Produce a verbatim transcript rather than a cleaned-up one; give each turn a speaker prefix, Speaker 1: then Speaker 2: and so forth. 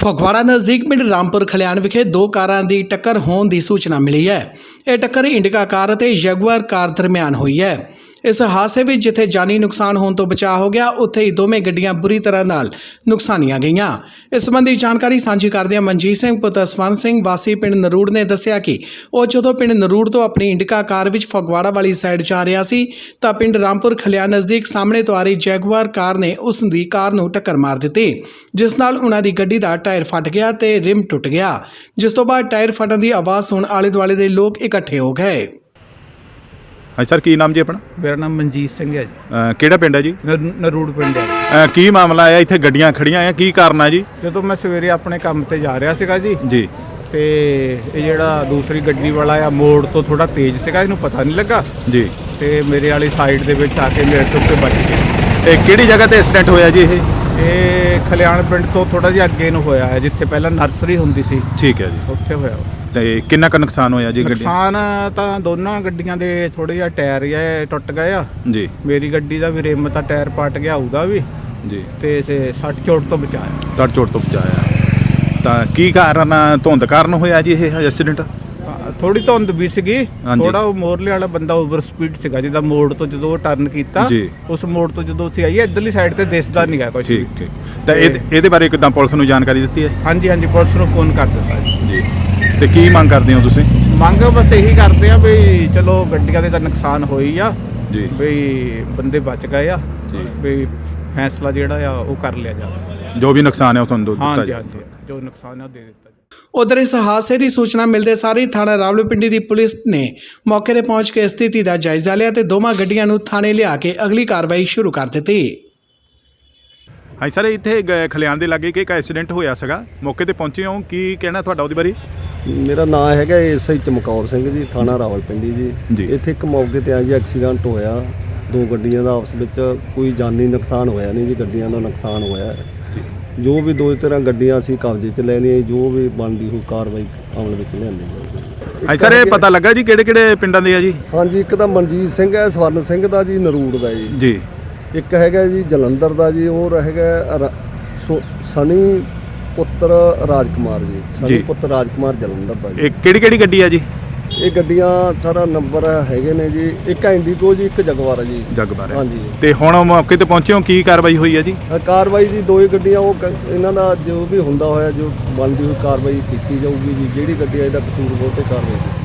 Speaker 1: ਫਗਵਾੜਾ ਨਜ਼ਦੀਕ ਪਿੰਡ ਰਾਮਪੁਰ ਖਲਿਆਣ ਵਿਖੇ ਦੋ ਕਾਰਾਂ ਦੀ ਟੱਕਰ ਹੋਣ ਦੀ ਸੂਚਨਾ ਮਿਲੀ ਹੈ। ਇਹ ਟੱਕਰ ਇੰਡਿਕਾ ਕਾਰ ਅਤੇ ਜਗੁਆਰ ਕਾਰ ਦਰਮਿਆਨ ਹੋਈ ਹੈ। ਇਸ ਹਾਦਸੇ ਵਿੱਚ ਜਿੱਥੇ ਜਾਨੀ ਨੁਕਸਾਨ ਹੋਣ ਤੋਂ ਬਚਾਅ ਹੋ ਗਿਆ, ਉੱਥੇ ਹੀ ਦੋਵੇਂ ਗੱਡੀਆਂ ਬੁਰੀ ਤਰ੍ਹਾਂ ਨਾਲ ਨੁਕਸਾਨੀਆਂ ਗਈਆਂ। ਇਸ ਸੰਬੰਧੀ ਜਾਣਕਾਰੀ ਸਾਂਝੀ ਕਰਦਿਆਂ ਮਨਜੀਤ ਸਿੰਘ ਪੁੱਤਰ ਸਵਰਨ ਸਿੰਘ ਵਾਸੀ ਪਿੰਡ ਨਰੂੜ ਨੇ ਦੱਸਿਆ ਕਿ ਉਹ ਜਦੋਂ ਪਿੰਡ ਨਰੂੜ ਤੋਂ ਆਪਣੀ ਇੰਡਿਕਾ ਕਾਰ ਵਿੱਚ ਫਗਵਾੜਾ ਵਾਲੀ ਸਾਈਡ ਜਾ ਰਿਹਾ ਸੀ ਤਾਂ ਪਿੰਡ ਰਾਮਪੁਰ ਖਲਿਆਣ ਨਜ਼ਦੀਕ ਸਾਹਮਣੇ ਤੋਂ ਆ ਰਹੀ ਜੈਗੁਆਰ ਕਾਰ ਨੇ ਉਸ ਦੀ ਕਾਰ ਨੂੰ ਟੱਕਰ ਮਾਰ ਦਿੱਤੀ, ਜਿਸ ਨਾਲ ਉਹਨਾਂ ਦੀ ਗੱਡੀ ਦਾ ਟਾਇਰ ਫਟ ਗਿਆ ਤੇ ਰਿਮ ਟੁੱਟ ਗਿਆ। ਜਿਸ ਤੋਂ ਬਾਅਦ ਟਾਇਰ ਫਟਣ ਦੀ ਆਵਾਜ਼ ਸੁਣ ਆਲੇ ਦੁਆਲੇ ਦੇ ਲੋਕ ਇਕੱਠੇ ਹੋ ਗਏ।
Speaker 2: ਹਾਂਜੀ ਸਰ, ਕੀ ਨਾਮ ਜੀ ਆਪਣਾ?
Speaker 3: ਮੇਰਾ ਨਾਮ ਮਨਜੀਤ ਸਿੰਘ ਹੈ ਜੀ।
Speaker 2: ਅ, ਕਿਹੜਾ ਪਿੰਡ ਹੈ ਜੀ?
Speaker 3: ਨ- ਨਰੂੜ ਪਿੰਡ ਹੈ।
Speaker 2: ਅ, ਕੀ ਮਾਮਲਾ ਆਇਆ? ਇੱਥੇ ਗੱਡੀਆਂ ਖੜੀਆਂ ਆ, ਕੀ ਕਾਰਨ ਆ ਜੀ?
Speaker 3: ਜਦੋਂ ਮੈਂ ਸਵੇਰੇ ਆਪਣੇ ਕੰਮ ਤੇ ਜਾ ਰਿਹਾ ਸੀਗਾ ਜੀ
Speaker 2: ਜੀ
Speaker 3: ਤੇ ਇਹ ਜਿਹੜਾ ਦੂਸਰੀ ਗੱਡੀ ਵਾਲਾ ਆ ਮੋੜ ਤੋਂ ਥੋੜਾ ਤੇਜ਼ ਸੀਗਾ, ਇਹਨੂੰ ਪਤਾ ਨਹੀਂ ਲੱਗਾ
Speaker 2: ਜੀ
Speaker 3: ਤੇ ਮੇਰੇ ਵਾਲੀ ਸਾਈਡ ਦੇ ਵਿੱਚ ਆ ਕੇ ਮੇਰੇ ਤੋਂ ਉੱਤੇ ਵੱਜ ਗਿਆ।
Speaker 2: ਇਹ ਕਿਹੜੀ ਜਗ੍ਹਾ ਤੇ ਐਕਸੀਡੈਂਟ ਹੋਇਆ ਜੀ ਇਹ?
Speaker 3: ਇਹ ਖਲਿਆਣ ਪਿੰਡ ਤੋਂ ਥੋੜਾ ਜਿਹਾ ਅੱਗੇ ਨੂੰ ਹੋਇਆ ਹੈ, ਜਿੱਥੇ ਪਹਿਲਾਂ ਨਰਸਰੀ ਹੁੰਦੀ ਸੀ
Speaker 2: ਠੀਕ ਹੈ ਜੀ।
Speaker 3: ਉੱਥੇ ਹੋਇਆ।
Speaker 2: ਤੇ ਕਿੰਨਾ ਕੁ ਨੁਕਸਾਨ ਹੋਇਆ ਜੀ ਗੱਡੀ?
Speaker 3: ਨੁਕਸਾਨ ਤਾਂ ਦੋਨਾਂ ਗੱਡੀਆਂ ਦੇ ਥੋੜੇ ਜਿਹਾ ਟਾਇਰ ਹੀ ਟੁੱਟ ਗਏ ਆ।
Speaker 2: ਜੀ
Speaker 3: ਮੇਰੀ ਗੱਡੀ ਦਾ ਵੀ ਰਿਮ ਤਾਂ ਟਾਇਰ ਪਟ ਗਿਆ, ਉਹਦਾ ਵੀ,
Speaker 2: ਜੀ
Speaker 3: ਤੇ ਸੇ ਸੱਟ ਚੋਟ ਤੋਂ ਬਚਾਇਆ।
Speaker 2: ਤੜ ਚੋਟ ਤੋਂ ਬਚਾਇਆ। ਤਾਂ ਕੀ ਕਾਰਨ ਆ? ਧੁੰਦ ਕਾਰਨ ਹੋਇਆ ਜੀ ਇਹ ਐਕਸੀਡੈਂਟ?
Speaker 3: ਥੋੜੀ ਧੁੰਦ ਵੀ ਸੀਗੀ,
Speaker 2: ਹਾਂਜੀ।
Speaker 3: ਥੋੜਾ ਉਹ ਮੋਰਲੇ ਵਾਲਾ ਬੰਦਾ ਓਵਰ ਸਪੀਡ ਸੀਗਾ, ਜਿਹਦਾ ਮੋੜ ਤੋਂ ਜਦੋਂ ਉਹ ਟਰਨ ਕੀਤਾ,
Speaker 2: ਜੀ।
Speaker 3: ਉਸ ਮੋੜ ਤੋਂ ਜਦੋਂ ਅਸੀਂ ਆਈਏ ਇੱਧਰਲੀ ਸਾਈਡ ਤੇ ਦਿਸਦਾ ਨਹੀਂ ਗਾ ਕੁਝ।
Speaker 2: ਠੀਕ ਠੀਕ। ਤਾਂ ਇਹ ਇਹਦੇ ਬਾਰੇ ਕਿੱਦਾਂ ਪੁਲਿਸ ਨੂੰ ਜਾਣਕਾਰੀ ਦਿੱਤੀ ਹੈ?
Speaker 3: ਹਾਂਜੀ ਹਾਂਜੀ, ਪੁਲਿਸ ਨੂੰ ਫੋਨ ਕਰ ਦਿੱਤਾ ਜੀ।
Speaker 2: ਜੀ ਤੇ ਕੀ ਮੰਗ ਕਰਦੇ ਹੋ ਤੁਸੀਂ?
Speaker 3: ਮੰਗ ਬਸ ਇਹੀ ਕਰਦੇ ਆ ਵੀ ਚਲੋ ਗੱਡੀਆਂ ਦੇ ਤਾਂ ਨੁਕਸਾਨ ਹੋਈ ਆ,
Speaker 2: ਜੀ
Speaker 3: ਵੀ ਬੰਦੇ ਬਚ ਗਏ ਆ,
Speaker 2: ਜੀ।
Speaker 3: ਵੀ ਫੈਸਲਾ ਜਿਹੜਾ ਆ ਉਹ ਕਰ ਲਿਆ ਜਾਵੇ।
Speaker 2: ਜੋ ਵੀ ਨੁਕਸਾਨ ਹੈ ਉਹ ਤੁਹਾਨੂੰ ਦਿੱਤਾ
Speaker 3: ਹਾਂਜੀ
Speaker 2: ਜੀ।
Speaker 3: ਹਾਂਜੀ, ਜੋ ਨੁਕਸਾਨ ਹੈ ਉਹ ਦੇ ਦਿੱਤਾ ਜੀ।
Speaker 1: ਉਧਰ ਇਸ ਹਾਦਸੇ ਦੀ ਸੂਚਨਾ ਮਿਲਦੇ ਸਾਰ ਹੀ ਥਾਣਾ ਰਾਵਲਪਿੰਡੀ ਦੀ ਪੁਲਿਸ ਨੇ ਮੌਕੇ ਤੇ ਪਹੁੰਚ ਕੇ ਸਥਿਤੀ ਦਾ ਜਾਇਜ਼ਾ ਲਿਆ ਤੇ ਦੋਵਾਂ ਗੱਡੀਆਂ ਨੂੰ ਥਾਣੇ ਲਿਆ ਕੇ ਅਗਲੀ ਕਾਰਵਾਈ ਸ਼ੁਰੂ ਕਰ ਦਿੱਤੀ।
Speaker 2: ਹਾਂਜੀ ਸਰ, ਇੱਥੇ ਗ- ਖਲਿਆਣ ਦੇ ਲਾਗੇ ਇੱਕ ਐਕਸੀਡੈਂਟ ਹੋਇਆ ਸੀਗਾ, ਮੌਕੇ ਤੇ ਪਹੁੰਚੇ ਹੋ, ਕੀ ਕਹਿਣਾ ਤੁਹਾਡਾ ਉਹਦੇ ਬਾਰੇ?
Speaker 4: ਮੇਰਾ ਨਾਮ ਹੈਗਾ ਐਸਆਈ ਚਮਕੌਰ ਸਿੰਘ ਜੀ, ਥਾਣਾ ਰਾਵਲਪਿੰਡੀ
Speaker 2: ਜੀ।
Speaker 4: ਜੀ। ਇੱਥੇ ਇੱਕ ਮੌਕੇ ਤੇ ਆ ਜੀ ਐਕਸੀਡੈਂਟ ਹੋਇਆ, ਦੋ ਗੱਡੀਆਂ ਦਾ ਆਪਸ ਵਿੱਚ ਕੋਈ ਜਾਨੀ ਨੁਕਸਾਨ ਹੋਇਆ ਨਹੀਂ ਜੀ, ਗੱਡੀਆਂ ਦਾ ਨੁਕਸਾਨ ਹੋਇਆ। ਜੋ ਵੀ ਦੋ ਤਰ੍ਹਾਂ ਗੱਡੀਆਂ ਅਸੀਂ ਕਬਜ਼ੇ 'ਚ ਲੈ ਲਈਆਂ, ਜੋ ਵੀ ਬਣਦੀ ਹੋਈ ਕਾਰਵਾਈ ਅਮਲ ਵਿੱਚ ਲਿਆਂਦੀ ਜਾਊਗੀ।
Speaker 2: ਹਾਂਜੀ ਸਰ, ਇਹ ਪਤਾ ਲੱਗਾ ਜੀ ਕਿਹੜੇ ਕਿਹੜੇ ਪਿੰਡਾਂ ਦੇ ਆ ਜੀ?
Speaker 4: ਹਾਂਜੀ, ਇੱਕ ਤਾਂ ਮਨਜੀਤ ਸਿੰਘ ਹੈ, ਸਵਰਨ ਸਿੰਘ ਦਾ ਜੀ, ਨਰੂੜ ਦਾ ਜੀ।
Speaker 2: ਜੀ
Speaker 4: ਇੱਕ ਹੈਗਾ ਜੀ ਜਲੰਧਰ ਦਾ ਜੀ, ਹੋਰ ਹੈਗਾ ਰ- ਸੋ- ਸਨੀ ਪੁੱਤਰ ਰਾਜਕੁਮਾਰ ਜੀ, ਸਨੀ
Speaker 2: ਜੀ।
Speaker 4: ਪੁੱਤਰ ਰਾਜਕੁਮਾਰ ਜਲੰਧਰ ਦਾ ਜੀ।
Speaker 2: ਇਹ ਕਿਹੜੀ ਕਿਹੜੀ ਗੱਡੀ ਆ ਜੀ?
Speaker 4: ਇਹ ਗੱਡੀਆਂ ਸਾਰਾ ਨੰਬਰ ਹੈਗੇ ਨੇ ਜੀ, ਇੱਕ ਇੰਡੀਗੋ ਜੀ, ਇੱਕ ਜਗਵਾਰ ਹੈ ਜੀ।
Speaker 2: ਜਗਬਾਰ।
Speaker 4: ਹਾਂਜੀ।
Speaker 2: ਤੇ ਹੁਣ ਮੌਕੇ ਤੇ ਪਹੁੰਚੇ ਹੋ, ਕੀ ਕਾਰਵਾਈ ਹੋਈ ਹੈ ਜੀ?
Speaker 4: ਅ, ਕਾਰਵਾਈ ਜੀ ਦੋ ਹੀ ਗੱਡੀਆਂ, ਉਹ ਕ- ਇਹਨਾਂ ਦਾ ਜੋ ਵੀ ਹੁੰਦਾ ਹੋਇਆ ਜੋ ਬਣਦੀ ਹੋਈ ਕਾਰਵਾਈ ਕੀਤੀ ਜਾਊਗੀ ਜੀ। ਜਿਹੜੀ ਗੱਡੀ ਆ ਇਹਦਾ ਕਸੂਰ ਬਹੁਤ ਤੇ ਕਾਰਵਾਈ ਕੀਤੀ